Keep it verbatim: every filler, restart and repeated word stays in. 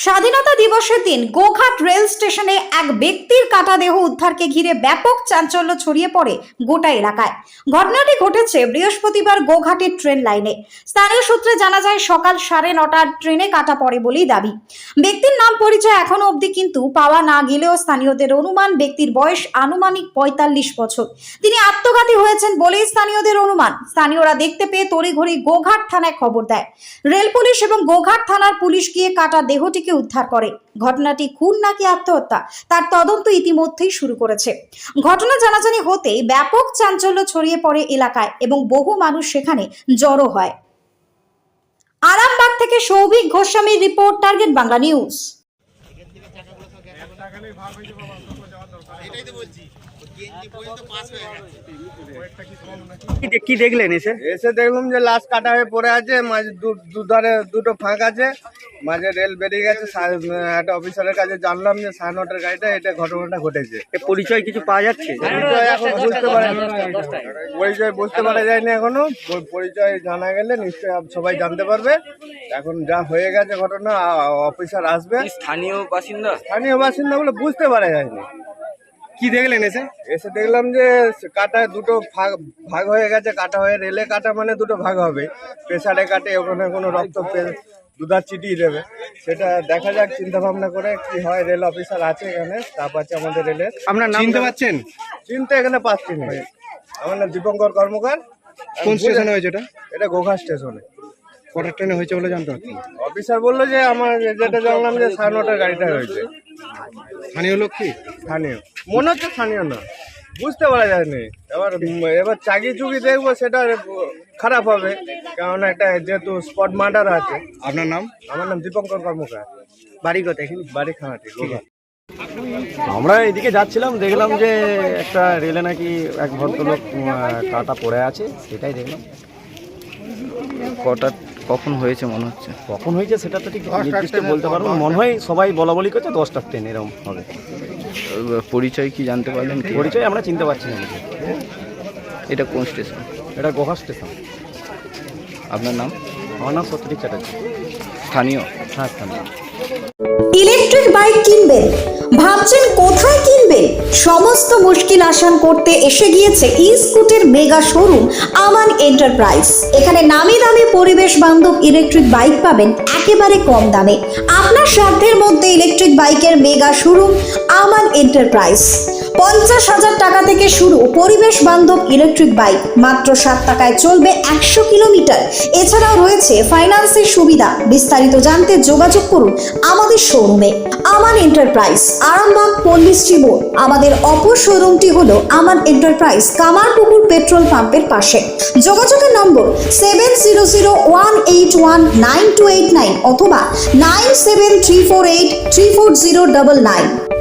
স্বাধীনতা দিবসের দিন গোঘাট রেল স্টেশনে এক ব্যক্তির কাটা দেহ উদ্ধারকে ঘিরে ব্যাপক চাঞ্চল্য ছড়িয়ে পড়ে গোটা এলাকায়। ঘটনাটি ঘটেছে বৃহস্পতিবার গোঘাটের ট্রেন লাইনে। স্থানীয় সূত্রে জানা যায় সকাল সাড়ে নটার ট্রেনে কাটা পড়ে বলেই দাবি। ব্যক্তির নাম পরিচয় এখনো অবধি কিন্তু পাওয়া না গেলেও স্থানীয়দের অনুমান ব্যক্তির বয়স আনুমানিক পঁয়তাল্লিশ বছর। তিনি আত্মঘাতী হয়েছেন বলেই স্থানীয়দের অনুমান। স্থানীয়রা দেখতে পেয়ে তড়িঘড়ি গোঘাট থানায় খবর দেয়। রেল পুলিশ এবং গোঘাট থানার পুলিশ গিয়ে কাটা দেহটিকে উদ্ধার করে। ঘটনাটি খুন নাকি আত্মহত্যা তার তদন্ত ইতিমধ্যেই শুরু করেছে। ঘটনা জানাজানি হতেই ব্যাপক চাঞ্চল্য ছড়িয়ে পড়ে এলাকায় এবং বহু মানুষ সেখানে জড়ো হয়। আরামবাগ থেকে সৌভিক গোস্বামীর রিপোর্ট, টার্গেট বাংলা নিউজ। কি দেখলেন এসে? এসে দেখলাম যে লাশ কাটা হয়ে পড়ে আছে, মাঝে দুধারে দুটো ফাঁক আছে, মাঝে রেল বেরিয়ে গেছে। একটা অফিসারের কাছে জানলাম যে সাড়ে নটার গাড়িটা এটা ঘটনাটা ঘটেছে। পরিচয় কিছু পাওয়া যাচ্ছে? পরিচয় এখন বুঝতে পারে পরিচয় বুঝতে পারা যায়নি এখনো। পরিচয় জানা গেলে নিশ্চয়ই সবাই জানতে পারবে। এখন যা হয়ে গেছে ঘটনা, অফিসার আসবে। স্থানীয় বাসিন্দা স্থানীয় বাসিন্দা বলে বুঝতে পারা যায়নি। কি দেখলেন এসে? এসে দেখলাম যে কাটা দুটো ভাগ ভাগ হয়ে গেছে। কাটা হয়ে রেলে কাটা মানে দুটো ভাগ হবে। প্রেসারে কাটে, ওখানে কোনো রক্ত দুধার চিটিয়ে দেবে, সেটা দেখা যাক চিন্তা ভাবনা করে কি হয়। রেল অফিসার আছে এখানে, স্টাফ আছে আমাদের রেলের। আপনার নাম চিনতে পারছেন? চিনতে এখানে পাচ্ছি না। আমার নাম দীপঙ্কর কর্মকার। কোন স্টেশনে হয়েছে এটা? এটা গোঘাট স্টেশনে। কটার ট্রেনে হয়েছে বলে জানতে পারছেন? অফিসার বললো যে আমার যেটা জানলাম যে সাড়ে নটার গাড়িটা হয়েছে। স্থানীয় লোক কি? স্থানীয় মনে হচ্ছে, স্থানীয় না, বুঝতে পারা যায়নি। এবার এবার চাকি চুকি দেখবো, সেটা খারাপ হবে, কারণ একটা যেহেতু স্পট মার্ডার আছে। আপনার নাম? আমার নাম দীপঙ্কর কর্মকার। বাড়ি কোথায়? এখানে বাড়ি খানাটি। আমরা এদিকে যাচ্ছিলাম, দেখলাম যে একটা রেলে নাকি এক ভদ্রলোক কাটা পড়ে আছে, সেটাই দেখলাম। কটা কখন হয়েছে মনে হচ্ছে? কখন হয়েছে সেটা তো ঠিক নির্দিষ্ট বলতে পারবো না। মনে হয় সবাই বলা বলি করছে দশটার ট্রেন এরকম হবে। পরিচয় কি জানতে পারলেন? কি পরিচয় আমরা চিনতে পারছি না। এটা কোন স্টেশন? এটা গোঘাট স্টেশন। আপনার নাম? আমার নাম সত্যজিৎ চ্যাটার্জি। স্থানীয়? হ্যাঁ, স্থানীয়। ইলেকট্রিক বাইক কিনবেন, ভাবছেন কোথায় কিনবেন? সমস্ত মুশকিল আসান করতে এসে গিয়েছে ই স্কুটের মেগা শোরুম আমান এন্টারপ্রাইজ। এখানে নামি দামি পরিবেশ বান্ধব ইলেকট্রিক বাইক পাবেন একেবারে কম দামে। আপনার সাধ্যের মধ্যে ইলেকট্রিক বাইকের মেগা শোরুম আমান এন্টারপ্রাইজ। পঞ্চাশ হাজার টাকা থেকে শুরু পরিবেশ বান্ধব ইলেকট্রিক বাইক, মাত্র সাত টাকায় চলবে একশো কিলোমিটার। এছাড়াও রয়েছে ফাইন্যান্সের সুবিধা। বিস্তারিত জানতে যোগাযোগ করুন আমাদের শোরুমে আমান এন্টারপ্রাইজ, আরামবাগ পল্লী শ্রীমোড়। আমাদের অপর শোরুমটি হলো আমান এন্টারপ্রাইজ, কামারপুকুর পেট্রোল পাম্পের পাশে। যোগাযোগের নম্বর seven zero zero one eight one nine two eight nine অথবা nine seven three four eight three four zero double nine.